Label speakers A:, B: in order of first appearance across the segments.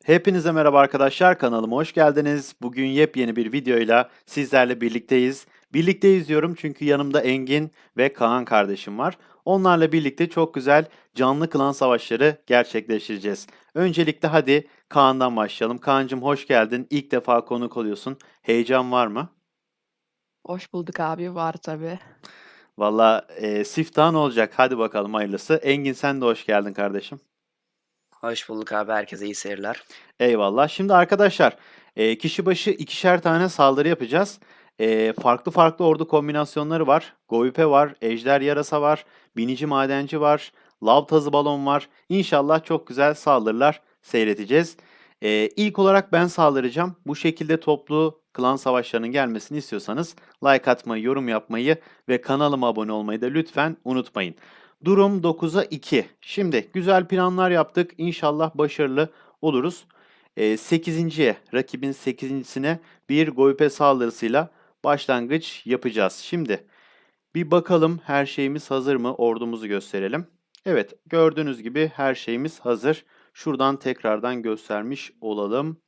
A: Hepinize merhaba arkadaşlar, kanalıma hoş geldiniz. Bugün yepyeni bir videoyla sizlerle birlikteyiz. Birlikteyiz diyorum çünkü yanımda Engin ve Kaan kardeşim var. Onlarla birlikte çok güzel canlı klan savaşları gerçekleştireceğiz. Öncelikle hadi Kaan'dan başlayalım. Kaan'cığım hoş geldin. İlk defa konuk oluyorsun. Heyecan var mı?
B: Hoş bulduk abi. Var tabii.
A: Valla siftahın olacak. Hadi bakalım hayırlısı. Engin sen de hoş geldin kardeşim.
C: Hoş bulduk abi. Herkese iyi seyirler.
A: Eyvallah. Şimdi arkadaşlar, kişi başı ikişer tane saldırı yapacağız. Farklı farklı ordu kombinasyonları var. Goype var, ejder yarasa var, binici madenci var, lav tazı balon var. İnşallah çok güzel saldırılar seyredeceğiz. İlk olarak ben saldıracağım. Bu şekilde toplu klan savaşlarının gelmesini istiyorsanız like atmayı, yorum yapmayı ve kanalıma abone olmayı da lütfen unutmayın. Durum 9'a 2. Şimdi güzel planlar yaptık. İnşallah başarılı oluruz. 8'inciye, rakibin 8'incisine bir golpe saldırısıyla başlangıç yapacağız. Şimdi bir bakalım her şeyimiz hazır mı? Ordumuzu gösterelim. Evet, gördüğünüz gibi her şeyimiz hazır. Şuradan tekrardan göstermiş olalım.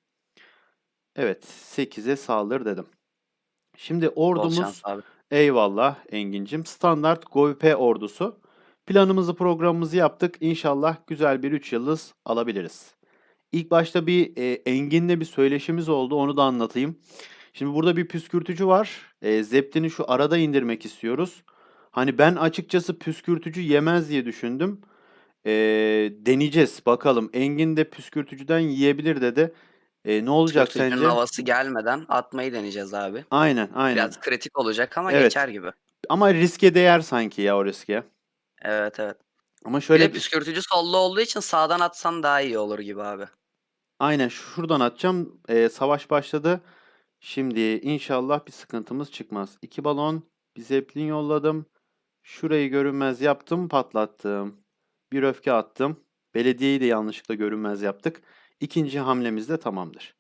A: Evet, 8'e saldır dedim. Şimdi
C: Bol şans
A: ordumuz,
C: abi.
A: eyvallah Engin'cim, standart golpe ordusu. Planımızı programımızı yaptık. İnşallah güzel bir 3 yıldız alabiliriz. İlk başta bir Engin'le bir söyleşimiz oldu. Onu da anlatayım. Şimdi burada bir püskürtücü var. Zeptin'i şu arada indirmek istiyoruz. Hani ben açıkçası püskürtücü yemez diye düşündüm. E, Deneyeceğiz bakalım. Engin de püskürtücüden yiyebilir dedi. Ne olacak
C: Püskürtücünün
A: sence?
C: havası gelmeden atmayı deneyeceğiz abi.
A: Aynen, aynen.
C: Biraz kritik olacak ama
A: Evet.
C: geçer gibi.
A: Ama riske değer sanki ya o riske.
C: Evet evet.
A: Ama
C: Bir de
A: şöyle bir...
C: püskürtücü sollu olduğu için sağdan atsan daha iyi olur gibi abi.
A: Aynen şuradan atacağım. Savaş başladı. Şimdi inşallah bir sıkıntımız çıkmaz. 2 balon, bir zeplin yolladım. Şurayı görünmez yaptım, patlattım. Bir öfke attım. Belediyeyi de yanlışlıkla görünmez yaptık. İkinci hamlemiz de tamamdır.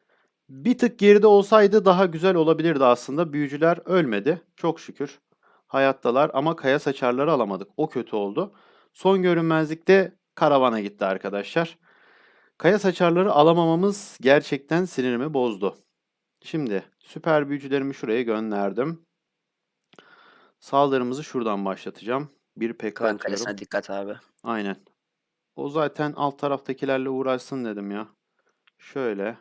A: Bir tık geride olsaydı daha güzel olabilirdi aslında. Büyücüler ölmedi. Çok şükür. Hayattalar ama kaya saçarları alamadık. O kötü oldu. Son görünmezlikte karavana gitti arkadaşlar. Kaya saçarları alamamamız gerçekten sinirimi bozdu. Şimdi süper büyücülerimi şuraya gönderdim. Saldırımızı şuradan başlatacağım. Bir pekka
C: Klan
A: atıyorum.
C: kalesine dikkat abi.
A: Aynen. O zaten alt taraftakilerle uğraşsın dedim ya. Şöyle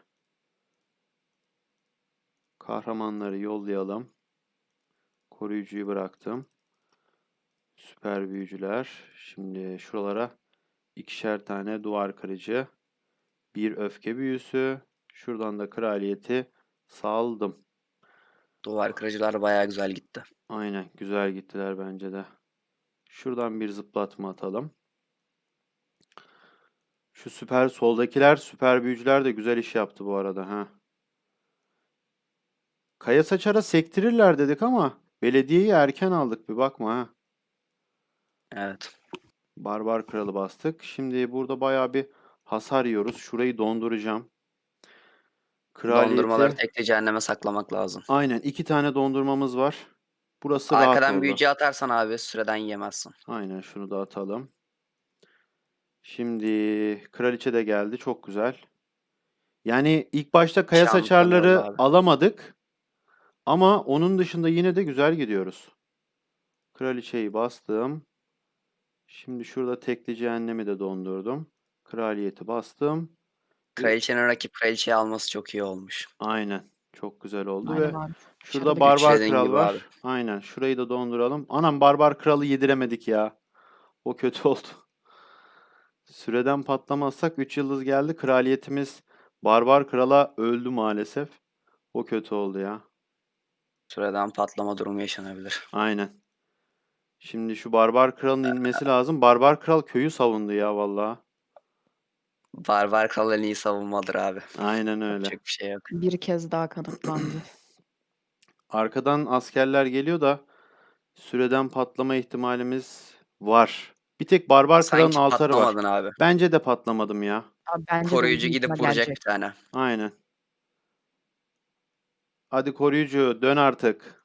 A: kahramanları yollayalım. Koruyucuyu bıraktım. Süper büyücüler. Şimdi şuralara ikişer tane duvar kırıcı. Bir öfke büyüsü. Şuradan da kraliyeti saldım.
C: Duvar kırıcılar bayağı güzel gitti.
A: Aynen güzel gittiler bence de. Şuradan bir zıplatma atalım. Şu süper soldakiler, süper büyücüler de güzel iş yaptı bu arada ha. Kaya Saçar'a sektirirler dedik ama belediyeyi erken aldık bir bakma ha.
C: Evet.
A: Barbar Kralı bastık. Şimdi burada bayağı bir hasar yiyoruz. Şurayı donduracağım.
C: Dondurmaları
A: Kraliyeti
C: tekli cehenneme saklamak lazım.
A: aynen 2 tane dondurmamız var. Burası rahat
C: Arkadan
A: oldu.
C: büyücü atarsan abi süreden yemezsin.
A: Aynen şunu da atalım. Şimdi kraliçe de geldi. Çok güzel. Yani ilk başta Kaya
C: Şampiyon yolla
A: Saçarları
C: abi.
A: alamadık. Ama onun dışında yine de güzel gidiyoruz. Kraliçeyi bastım. Şimdi şurada tekli cehennemi de dondurdum. Kraliyeti bastım. Ve
C: Kraliçenin rakip kraliçeyi alması çok iyi olmuş.
A: aynen çok güzel oldu
B: Aynen
A: ve
B: abi.
A: şurada
B: Başarılı
C: Üç
A: Barbar
B: geçti.
C: dediğin
A: Kral
C: gibi abi.
A: var. Aynen şurayı da donduralım. Anam Barbar Kral'ı yediremedik ya. O kötü oldu. Süreden patlamazsak 3 yıldız geldi. Kraliyetimiz Barbar Kral'a öldü maalesef. O kötü oldu ya.
C: Süreden patlama durumu yaşanabilir.
A: Aynen. Şimdi şu Barbar Kral'ın inmesi lazım. Barbar Kral köyü savundu ya vallahi.
C: Barbar Kral en iyi savunmadır abi.
A: Aynen öyle.
C: Yapacak bir şey yok.
B: Bir kez daha kanıtlandı.
A: Arkadan askerler geliyor da süreden patlama ihtimalimiz var. Bir tek Barbar Kral'ın
C: Sanki
A: altarı var.
C: patlamadın abi.
A: Bence de patlamadım ya.
B: Abi bence de
C: Koruyucu
B: büyük ihtimal
C: gidip vuracak
B: gelecek.
C: bir tane.
A: Aynen. Hadi koruyucu dön artık.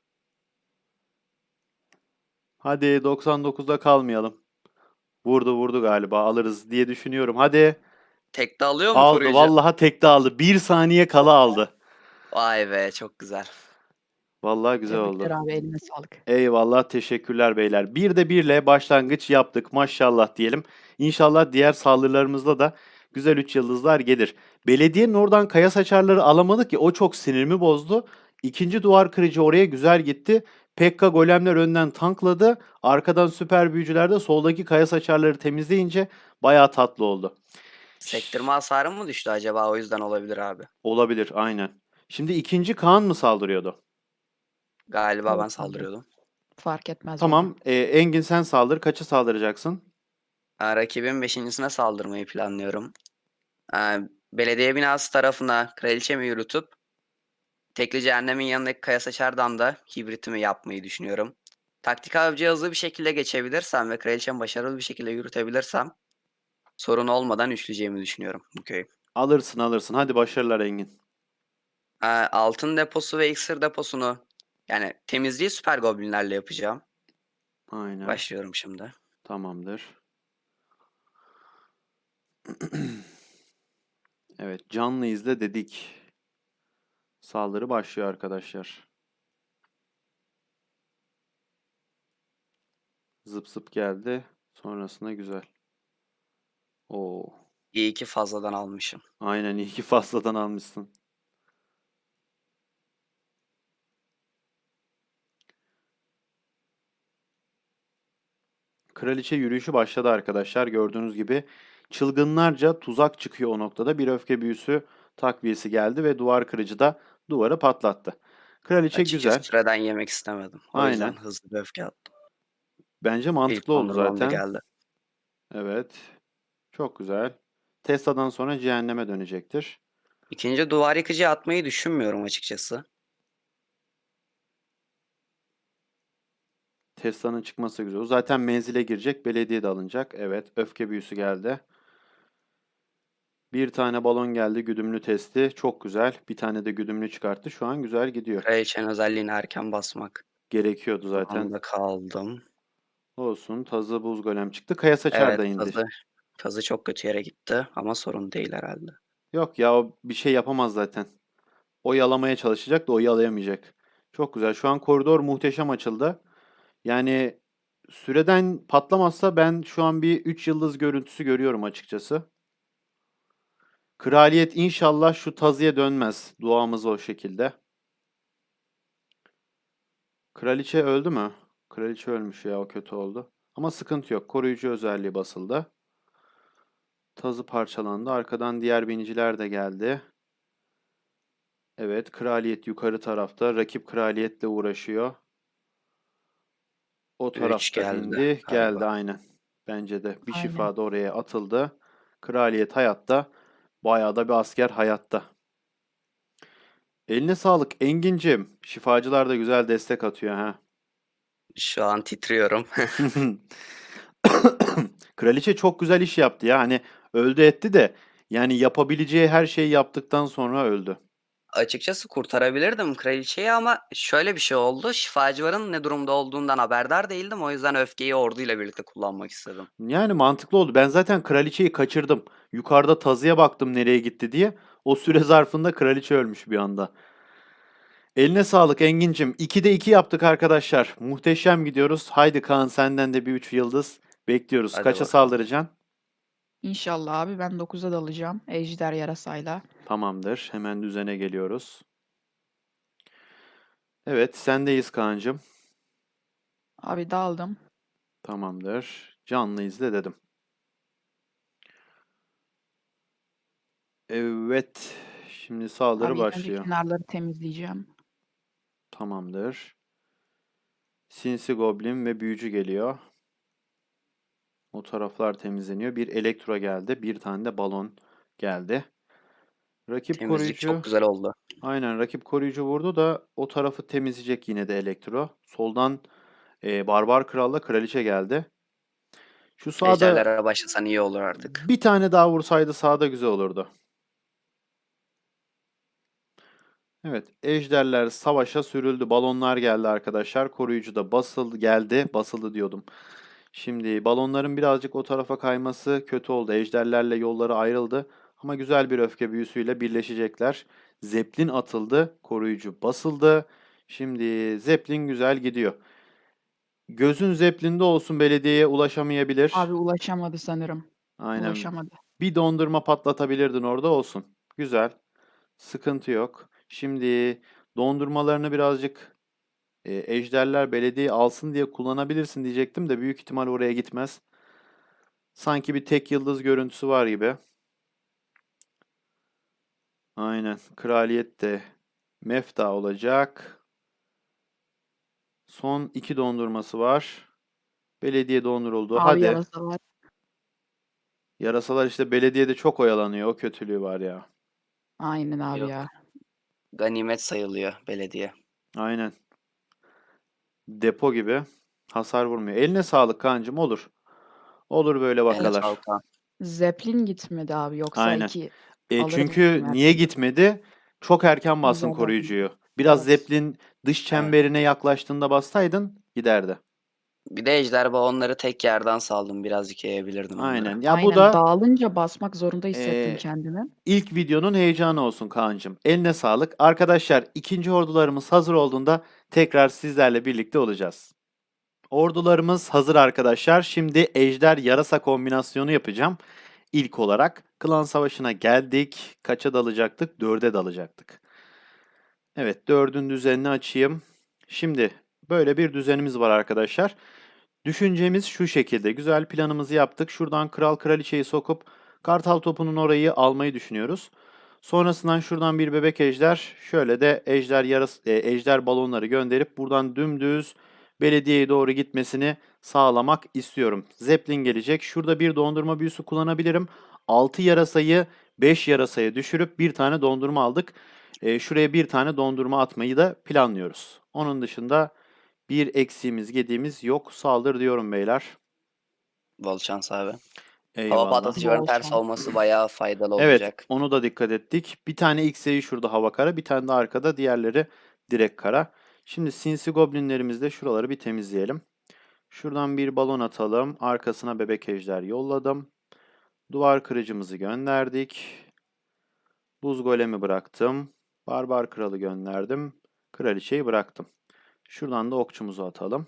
A: Hadi 99'da kalmayalım. Vurdu vurdu galiba alırız diye düşünüyorum. Hadi.
C: Tekte alıyor mu
A: Aldı.
C: koruyucu?
A: Vallahi tekte aldı. 1 saniye kala aldı.
C: Vay be, çok güzel.
A: Vallahi güzel
B: Tebrikler
A: oldu.
B: abi, eline sağlık.
A: Eyvallah, teşekkürler beyler. Bir de birle başlangıç yaptık. Maşallah diyelim. İnşallah diğer saldırılarımızda da güzel 3 yıldızlar gelir. Belediyenin oradan kaya saçarları alamadık ki, o çok sinirimi bozdu. İkinci duvar kırıcı oraya güzel gitti. Pekka golemler önden tankladı. Arkadan süper büyücüler de soldaki kaya saçarları temizleyince bayağı tatlı oldu.
C: Sektirme hasarı mı düştü acaba? O yüzden olabilir abi.
A: Olabilir, aynen. Şimdi ikinci Kaan mı saldırıyordu?
C: Galiba ben
B: Evet abi.
C: saldırıyordum.
B: Fark etmez bana.
A: Tamam, Engin sen saldır. Kaça saldıracaksın?
C: Rakibin beşincisine saldırmayı planlıyorum. Belediye binası tarafına kraliçemi yürütüp tekli cehennemin yanındaki kaya saçardan da hibritimi yapmayı düşünüyorum. Taktik avcıya hızlı bir şekilde geçebilirsem ve kraliçemi başarılı bir şekilde yürütebilirsem sorun olmadan üçleyeceğimi düşünüyorum bu köyü.
A: Alırsın alırsın. Hadi başarılar Engin.
C: Altın deposu ve iksir deposunu, yani temizliği süper goblinlerle yapacağım.
A: Aynen.
C: Başlıyorum şimdi.
A: Tamamdır. Evet, canlı izle dedik. Saldırı başlıyor arkadaşlar. Zıp zıp geldi. Sonrasında güzel. Oo.
C: İyi ki fazladan almışım.
A: Aynen, iyi ki fazladan almışsın. Kraliçe yürüyüşü başladı arkadaşlar. Gördüğünüz gibi çılgınlarca tuzak çıkıyor o noktada. Bir öfke büyüsü takviyesi geldi ve duvar kırıcı da duvarı patlattı. Kraliçe
C: Açıkçası
A: güzel.
C: süreden yemek istemedim. O yüzden
A: Aynen.
C: hızlı bir öfke attım.
A: Bence
C: İlk
A: mantıklı oldu
C: dondurmam da
A: zaten.
C: geldi.
A: Evet. Çok güzel. Tesla'dan sonra cehenneme dönecektir.
C: İkinci duvar yıkıcı atmayı düşünmüyorum açıkçası.
A: Tesla'nın çıkması güzel. O zaten menzile girecek. Belediye de alınacak. Evet. Öfke büyüsü geldi. Bir tane balon geldi. Güdümlü testi. Çok güzel. Bir tane de güdümlü çıkarttı. Şu an güzel gidiyor.
C: Kraliçenin özelliğini erken basmak
A: Gerekiyordu zaten.
C: durumunda kaldım.
A: Olsun. Tazı buz golem çıktı. Kaya saçar
C: Evet,
A: da indi.
C: tazı çok kötü yere gitti ama sorun değil herhalde.
A: Yok ya, o bir şey yapamaz zaten. O yalamaya çalışacak da o yalayamayacak. Çok güzel. Şu an koridor muhteşem açıldı. Yani süreden patlamazsa ben şu an bir 3 yıldız görüntüsü görüyorum açıkçası. Kraliyet inşallah şu tazıya dönmez. Duamız o şekilde. Kraliçe öldü mü? Kraliçe ölmüş ya, o kötü oldu. Ama sıkıntı yok. Koruyucu özelliği basıldı. Tazı parçalandı. Arkadan diğer biniciler de geldi. Evet, kraliyet yukarı tarafta. Rakip kraliyetle uğraşıyor. O
C: 3
A: tarafta
C: geldi
A: indi. Geldi
C: galiba.
A: aynen. Bence de. Bir
B: Aynen.
A: şifa da oraya atıldı. Kraliyet hayatta. Bayağı da bir asker hayatta. Eline sağlık Engin'cim. Şifacılar da güzel destek atıyor ha.
C: Şu an titriyorum.
A: Kraliçe çok güzel iş yaptı ya. Hani öldü etti de, yani yapabileceği her şeyi yaptıktan sonra öldü.
C: Açıkçası kurtarabilirdim kraliçeyi ama şöyle bir şey oldu. Şifacıların ne durumda olduğundan haberdar değildim. O yüzden öfkeyi orduyla birlikte kullanmak istedim.
A: Yani mantıklı oldu. Ben zaten kraliçeyi kaçırdım. Yukarıda tazıya baktım nereye gitti diye. O süre zarfında kraliçe ölmüş bir anda. Eline sağlık Engin'cim. 2'de 2 yaptık arkadaşlar. Muhteşem gidiyoruz. Haydi Kaan, senden de bir 3 yıldız bekliyoruz.
C: Hadi
A: Kaça
C: bakalım.
A: saldıracaksın?
B: İnşallah abi, ben 9'a dalacağım. Ejder yarasayla.
A: Tamamdır. Hemen düzene geliyoruz. Evet, sendeyiz Kaan'cığım.
B: Abi daldım.
A: Tamamdır. Canlı izle dedim. Evet. Şimdi saldırı
B: Abi ilk önce
A: başlıyor.
B: kenarları temizleyeceğim.
A: Tamamdır. Sinsi Goblin ve Büyücü geliyor. O taraflar temizleniyor. Bir elektro geldi. Bir tane de balon geldi. Rakip
C: Temizlik
A: koruyucu.
C: çok güzel oldu.
A: Aynen, rakip koruyucu vurdu da o tarafı temizleyecek yine de elektro. Soldan Barbar Kral'la Kraliçe geldi. Şu sağda
C: Ejderlere başlasan iyi olur artık.
A: bir tane daha vursaydı sağda güzel olurdu. Evet, ejderler savaşa sürüldü. Balonlar geldi arkadaşlar. Koruyucu da basıldı, geldi. Basıldı diyordum. Şimdi balonların birazcık o tarafa kayması kötü oldu. Ejderlerle yolları ayrıldı. Ama güzel bir öfke büyüsüyle birleşecekler. Zeppelin atıldı. Koruyucu basıldı. Şimdi Zeppelin güzel gidiyor. Gözün Zeppelin'de olsun, belediyeye ulaşamayabilir.
B: Abi ulaşamadı sanırım.
A: Aynen.
B: Ulaşamadı.
A: Bir dondurma patlatabilirdin orada, olsun. Güzel. Sıkıntı yok. Şimdi dondurmalarını birazcık ejderler belediye alsın diye kullanabilirsin diyecektim de büyük ihtimal oraya gitmez. Sanki bir tek yıldız görüntüsü var gibi. Aynen. Kraliyet de mefta olacak. Son 2 dondurması var. Belediye donduruldu.
B: Abi
A: Hadi.
B: yarasalar.
A: Yarasalar işte belediyede çok oyalanıyor. O kötülüğü var ya.
B: Aynen abi
C: Yok.
B: ya.
C: Ganimet sayılıyor belediye.
A: Aynen. Depo gibi. Hasar vurmuyor. Eline sağlık kancım, olur. Olur böyle
C: Eline
A: vakalar.
C: sağlık Kaan.
B: Zeppelin gitmedi abi. Yoksa
A: Aynen.
B: 2 alırdım
A: Çünkü
B: her
A: niye
B: türlü.
A: gitmedi? Çok erken bastın
B: Güzel oldu.
A: koruyucuyu. Biraz
B: Evet.
A: Zeppelin dış
C: Evet.
A: çemberine yaklaştığında bassaydın giderdi.
C: Bir de ejderha onları tek yerden saldım. Birazcık yayabilirdim onları.
A: Aynen. Ya bu
B: Aynen.
A: da
B: Dağılınca basmak zorunda hissettim
A: e,
B: kendimi.
A: ilk videonun heyecanı olsun Kaan'cığım. Eline sağlık. Arkadaşlar, ikinci ordularımız hazır olduğunda tekrar sizlerle birlikte olacağız. Ordularımız hazır arkadaşlar. Şimdi ejder yarasa kombinasyonu yapacağım. İlk olarak klan savaşına geldik. Kaça dalacaktık? 4'e dalacaktık. Evet, 4'ün düzenini açayım. Şimdi böyle bir düzenimiz var arkadaşlar. Düşüncemiz şu şekilde. Güzel planımızı yaptık. Şuradan kral kraliçeyi sokup kartal topunun orayı almayı düşünüyoruz. Sonrasından şuradan bir bebek ejder, şöyle de ejder balonları gönderip buradan dümdüz belediyeye doğru gitmesini sağlamak istiyorum. Zeppelin gelecek. Şurada bir dondurma büyüsü kullanabilirim. 6 yarasayı 5 yarasaya düşürüp bir tane dondurma aldık. Şuraya bir tane dondurma atmayı da planlıyoruz. Onun dışında bir eksiğimiz, gediğimiz yok. Saldır diyorum beyler.
C: Bol şans abi. Hava
A: Eyvallah.
C: patlatıcıların
B: Bol
C: ters
B: şans.
C: olması bayağı faydalı
A: Evet,
C: olacak.
A: onu da dikkat ettik. Bir tane X'eyi şurada hava kara, bir tane de arkada, diğerleri direkt kara. Şimdi sinsi goblinlerimizle şuraları bir temizleyelim. Şuradan bir balon atalım. Arkasına bebek ejder yolladım. Duvar kırıcımızı gönderdik. Buz golemi bıraktım. Barbar kralı gönderdim. Kraliçeyi bıraktım. Şuradan da okçumuzu atalım.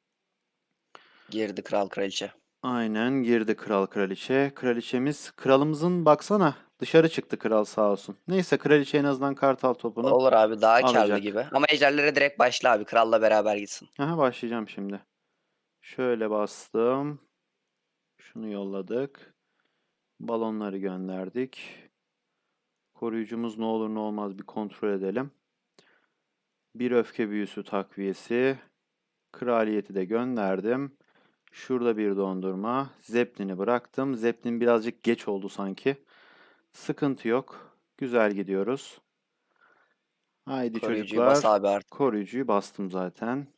C: Girdi kral kraliçe.
A: Aynen girdi kral kraliçe. Kralımızın baksana dışarı çıktı, kral sağ olsun. Neyse, kraliçe en azından kartal topunu
C: Olur abi, daha karlı
A: alacak.
C: gibi. Ama ejderlere direkt başla abi. Kralla beraber gitsin.
A: Aha, başlayacağım şimdi. Şöyle bastım. Şunu yolladık. Balonları gönderdik. Koruyucumuz ne olur ne olmaz bir kontrol edelim. Bir öfke büyüsü takviyesi. Kraliyeti de gönderdim. Şurada bir dondurma. Zeppelin'i bıraktım. Zeppelin birazcık geç oldu sanki. Sıkıntı yok. Güzel gidiyoruz. Haydi
C: Koruyucuyu bas
A: çocuklar.
C: abi artık.
A: Koruyucuyu bastım zaten.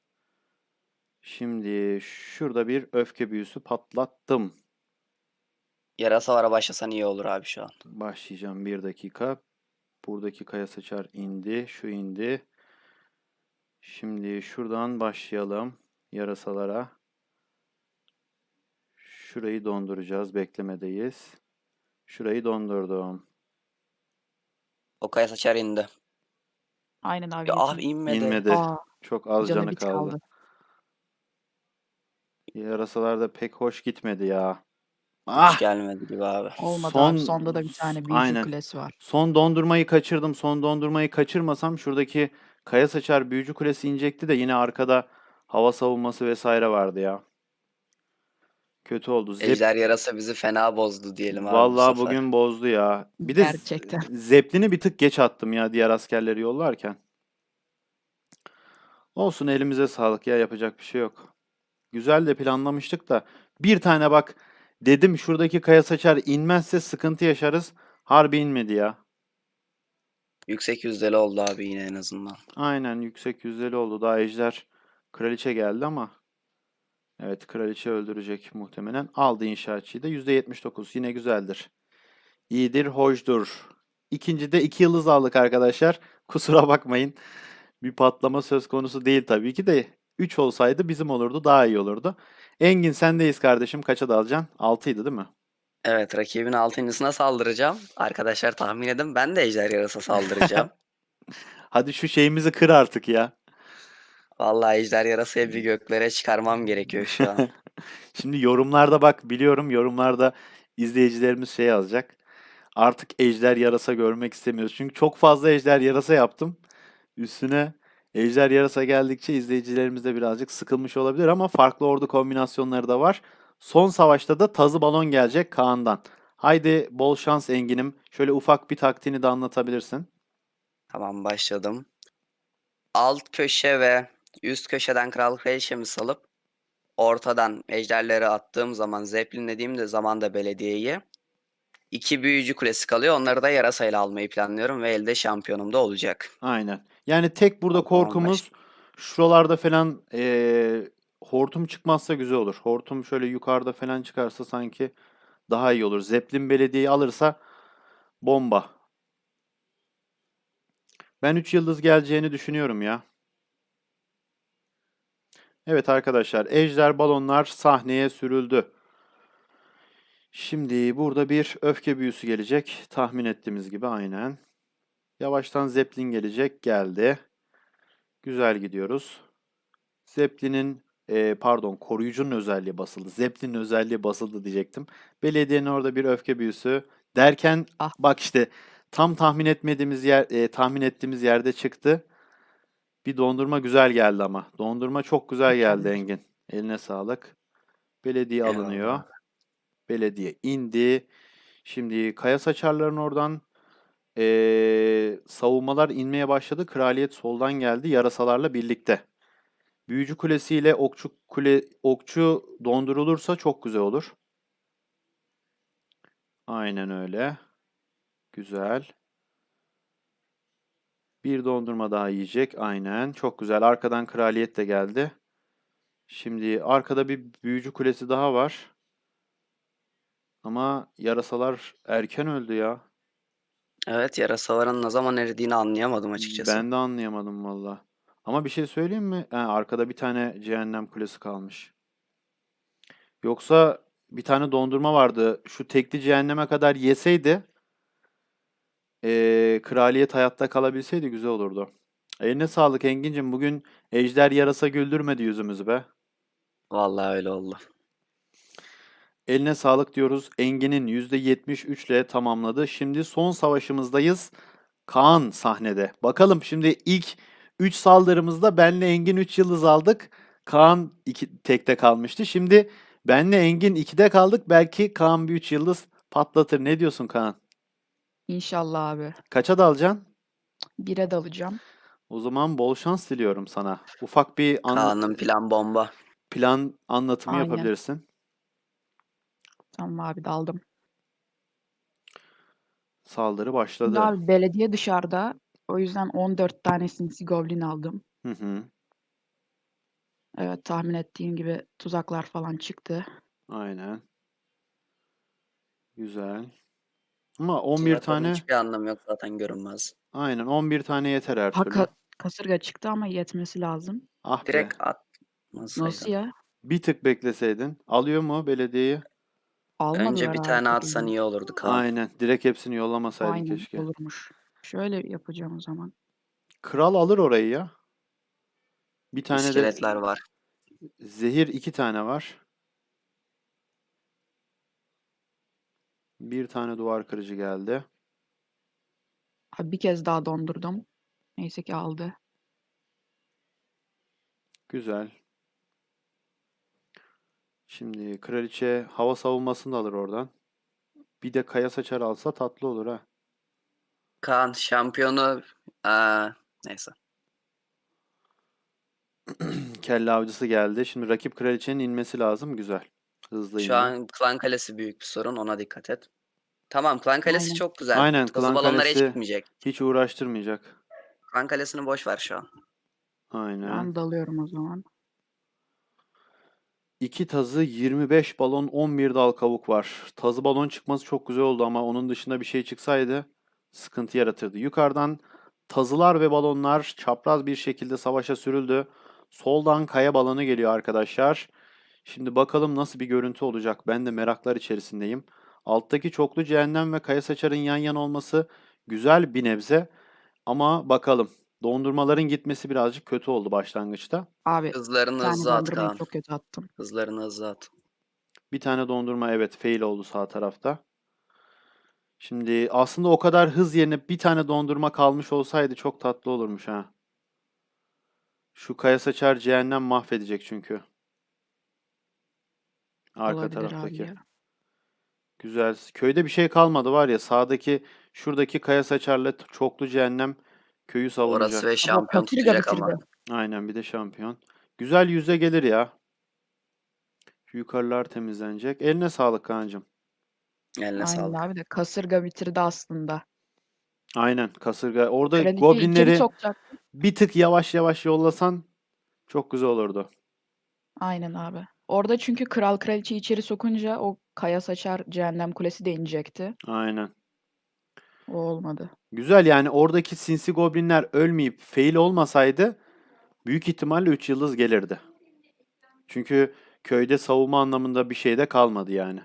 A: Şimdi şurada bir öfke büyüsü patlattım.
C: Yarasalara başlasan iyi olur abi şu an.
A: Başlayacağım, bir dakika. Buradaki kaya saçar indi. Şu indi. Şimdi şuradan başlayalım. Yarasalara. Şurayı donduracağız. Beklemedeyiz. Şurayı dondurdum.
C: O kaya saçar indi.
B: Aynen abi
C: Ya abi
B: gitmedi.
C: inmedi.
A: İnmedi.
B: Aa,
A: Çok az
B: canı
A: canı
B: bir
A: kaldı.
B: kaldı.
A: Yarasalar da pek hoş gitmedi ya.
C: Hiç
A: Ah!
C: gelmedi gibi abi.
B: Olmadı abi.
A: Son
B: Sonda da bir tane büyücü
A: aynen.
B: kulesi var.
A: Son dondurmayı kaçırdım. Son dondurmayı kaçırmasam şuradaki kaya saçar büyücü kulesi inecekti de yine arkada hava savunması vesaire vardı ya. Kötü oldu.
C: Ejder yarasa bizi fena bozdu diyelim abi bu
A: Vallahi
C: sefer.
A: bugün bozdu ya. Bir de
B: Gerçekten.
A: Zeppelin'i bir tık geç attım ya diğer askerleri yollarken. Olsun, elimize sağlık ya, yapacak bir şey yok. Güzel de planlamıştık da bir tane bak dedim, şuradaki kaya saçar inmezse sıkıntı yaşarız. Harbi inmedi ya.
C: Yüksek yüzdeli oldu abi yine en azından.
A: Aynen, yüksek yüzdeli oldu. Daha ejder kraliçe geldi ama evet, kraliçe öldürecek muhtemelen. Aldı inşaatçıyı da, %79 yine güzeldir. İyidir, hoşdur. İkincide 2 yıldız aldık arkadaşlar. Kusura bakmayın. Bir patlama söz konusu değil tabii ki de. 3 olsaydı bizim olurdu, daha iyi olurdu. Engin, sendeyiz kardeşim. Kaça dalacaksın? 6'ydı değil mi?
C: Evet, rakibin 6.'sına saldıracağım. Arkadaşlar tahmin edin, ben de ejder yarasa saldıracağım.
A: Hadi şu şeyimizi kır artık ya.
C: Vallahi ejder yarasayı bir göklere çıkarmam gerekiyor şu an.
A: Şimdi yorumlarda bak, biliyorum yorumlarda izleyicilerimiz şey yazacak. Artık ejder yarasa görmek istemiyoruz. Çünkü çok fazla ejder yarasa yaptım. Üstüne ejder yarasa geldikçe izleyicilerimiz de birazcık sıkılmış olabilir ama farklı ordu kombinasyonları da var. Son savaşta da tazı balon gelecek Kaan'dan. Haydi bol şans Engin'im. Şöyle ufak bir taktiğini de anlatabilirsin.
C: Tamam, başladım. Alt köşe ve üst köşeden kral kraliçemi salıp ortadan ejderleri attığım zaman, zeplinlediğim zaman da belediyeyi, 2 büyücü kulesi kalıyor. Onları da yarasayla almayı planlıyorum ve elde şampiyonum da olacak.
A: Aynen. Yani tek burada
C: O zaman
A: korkumuz şuralarda falan hortum çıkmazsa güzel olur. Hortum şöyle yukarıda falan çıkarsa sanki daha iyi olur. Zeppelin belediyeyi alırsa bomba. Ben 3 yıldız geleceğini düşünüyorum ya. Evet arkadaşlar, ejder balonlar sahneye sürüldü. Şimdi burada bir öfke büyüsü gelecek. Tahmin ettiğimiz gibi aynen. Yavaştan Zeppelin gelecek. Geldi. Güzel gidiyoruz. Zeppelin'in pardon, koruyucunun özelliği basıldı. Zeppelin'in özelliği basıldı diyecektim. Belediyenin orada bir öfke büyüsü derken
B: Ah,
A: bak işte tam tahmin ettiğimiz yerde çıktı. Bir dondurma güzel geldi ama. Dondurma çok güzel geldi
B: mükemmel.
A: Engin. Eline sağlık. Belediye alınıyor.
C: eyvallah.
A: Belediye indi. Şimdi Kaya Saçarların oradan savunmalar inmeye başladı. Kraliyet soldan geldi yarasalarla birlikte. Büyücü Kulesi ile okçu dondurulursa çok güzel olur. Aynen öyle. Güzel. Bir dondurma daha yiyecek. Aynen. Çok güzel. Arkadan kraliyet de geldi. Şimdi arkada bir büyücü kulesi daha var. Ama yarasalar erken öldü ya.
C: Evet, yarasaların ne zaman eridiğini anlayamadım açıkçası.
A: Ben de anlayamadım valla. Ama bir şey söyleyeyim mi? Ha, arkada bir tane cehennem kulesi kalmış. Yoksa bir tane dondurma vardı. Şu tekli cehenneme kadar yeseydi, kraliyet hayatta kalabilseydi güzel olurdu. Eline sağlık Engin'cim. Bugün ejder yarasa güldürmedi yüzümüzü be.
C: Vallahi öyle oldu.
A: Eline sağlık diyoruz. Engin'in %73 ile tamamladı. Şimdi son savaşımızdayız. Kaan sahnede. Bakalım şimdi ilk 3 saldırımızda benle Engin 3 yıldız aldık. Kaan 2 tekte kalmıştı. Şimdi benle Engin 2'de kaldık. Belki Kaan bir 3 yıldız patlatır. Ne diyorsun Kaan?
B: İnşallah abi.
A: Kaça dalacaksın?
B: 1'e dalacağım.
A: O zaman bol şans diliyorum sana. Ufak bir
C: Kaan'ın plan bomba.
A: plan anlatımı
B: Aynen.
A: yapabilirsin.
B: Tamam abi, daldım.
A: Saldırı
B: Şimdi
A: başladı.
B: abi belediye dışarıda. O yüzden 14 tane sinsi goblin aldım.
A: Hı hı.
B: Evet, tahmin ettiğim gibi tuzaklar falan çıktı.
A: Aynen. Güzel. Ama 11
C: Tuzakların
A: tane,
C: hiçbir anlamı yok, zaten görünmez.
A: aynen 11 tane yeter her
B: Ha,
A: türlü.
B: kasırga çıktı ama yetmesi lazım.
A: Ah be.
C: Direkt
B: Nasıl
C: atmasaydın.
B: ya?
A: Bir tık bekleseydin. Alıyor mu belediyeyi?
C: Önce
B: Almadılar
C: bir
B: abi
C: tane atsan
B: kutuyu.
C: iyi olurdu Kaan.
A: Aynen. Direkt hepsini yollamasaydın
B: Aynen
A: keşke.
B: olurmuş. Şöyle yapacağım o zaman.
A: Kral alır orayı ya. Bir tane de
C: İskeletler var.
A: zehir, 2 tane var. Bir tane duvar kırıcı geldi.
B: Abi bir kez daha dondurdum. Neyse ki aldı.
A: Güzel. Şimdi kraliçe hava savunmasını da alır oradan. Bir de kaya saçar alsa tatlı olur ha.
C: Kaan şampiyonu, neyse.
A: Kelle avcısı geldi. Şimdi rakip kraliçenin inmesi lazım. Güzel. Hızlı
C: Şu
A: indi.
C: an Klan Kalesi büyük bir sorun, ona dikkat et. Tamam, Klan Kalesi
B: Aynen.
C: çok güzel.
A: Aynen,
C: Tazı
A: klan
C: balonlara hiç
A: kalesi
C: gitmeyecek.
A: hiç uğraştırmayacak.
C: Klan Kalesi'ni boş ver şu an.
B: Şu
A: Aynen.
B: an dalıyorum o zaman.
A: 2 tazı, 25 balon, 11 dal kavuk var. Tazı balon çıkması çok güzel oldu ama onun dışında bir şey çıksaydı sıkıntı yaratırdı. Yukarıdan tazılar ve balonlar çapraz bir şekilde savaşa sürüldü. Soldan kaya balonu geliyor arkadaşlar. Şimdi bakalım nasıl bir görüntü olacak. Ben de meraklar içerisindeyim. Alttaki çoklu cehennem ve kaya saçarın yan yana olması güzel bir nebze. Ama bakalım. Dondurmaların gitmesi birazcık kötü oldu başlangıçta.
B: Abi bir
C: Hızlarını
B: tane
C: hızlı at
B: dondurmayı
C: Kaan.
B: çok kötü attım.
C: Hızlarını hızlı at.
A: Bir tane dondurma evet fail oldu sağ tarafta. Şimdi aslında o kadar hız yerine bir tane dondurma kalmış olsaydı çok tatlı olurmuş ha. Şu kaya saçar cehennem mahvedecek çünkü. Arka
B: Olabilir abi
A: taraftaki.
B: ya.
A: Güzel. Köyde bir şey kalmadı var ya. Sağdaki şuradaki kaya saçarla çoklu cehennem köyü
C: Orası ve
A: savunacak.
B: Abi o
C: şampiyon
B: kasırga
C: tutacak ama.
B: bitirdi.
A: Aynen bir de şampiyon. Güzel yüzde gelir ya. Şu yukarılar temizlenecek. Eline sağlık Kaan'cığım.
C: Eline
B: Aynen
C: sağlık.
B: abi de kasırga bitirdi aslında.
A: Aynen kasırga. Orada
B: Kraliçeyi içeri
A: goblinleri
B: sokacaktı.
A: bir tık yavaş yavaş yollasan çok güzel olurdu.
B: Aynen abi. Orada çünkü kral kraliçeyi içeri sokunca o kaya saçar cehennem kulesi de inecekti.
A: Aynen.
B: O olmadı.
A: Güzel yani oradaki sinsi goblinler ölmeyip fail olmasaydı büyük ihtimalle 3 yıldız gelirdi. Çünkü köyde savunma anlamında bir şey de kalmadı yani.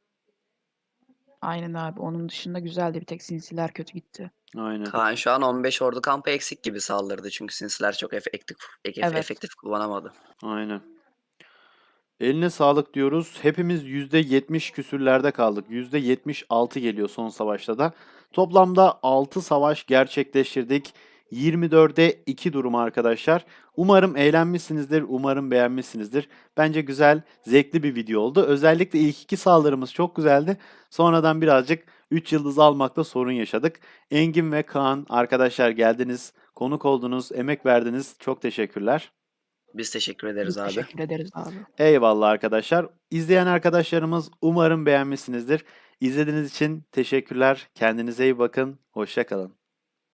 B: Aynen abi. Onun dışında güzeldi. Bir tek sinsiler kötü gitti.
A: Aynen.
C: Kaan şu an 15 ordu kampı eksik gibi saldırdı. Çünkü sinsiler çok
B: Evet.
C: efektif kullanamadı.
A: Aynen. Eline sağlık diyoruz. Hepimiz %70 küsürlerde kaldık. %76 geliyor son savaşta da. Toplamda 6 savaş gerçekleştirdik. 24'e 2 durum arkadaşlar. Umarım eğlenmişsinizdir. Umarım beğenmişsinizdir. Bence güzel, zevkli bir video oldu. Özellikle ilk iki saldırımız çok güzeldi. Sonradan birazcık 3 yıldız almakta sorun yaşadık. Engin ve Kaan arkadaşlar geldiniz, konuk oldunuz, emek verdiniz. Çok teşekkürler.
C: Biz teşekkür ederiz
B: Biz
C: abi.
B: teşekkür ederiz abi.
A: Eyvallah arkadaşlar. İzleyen arkadaşlarımız umarım beğenmişsinizdir. İzlediğiniz için teşekkürler. Kendinize iyi bakın. Hoşça kalın.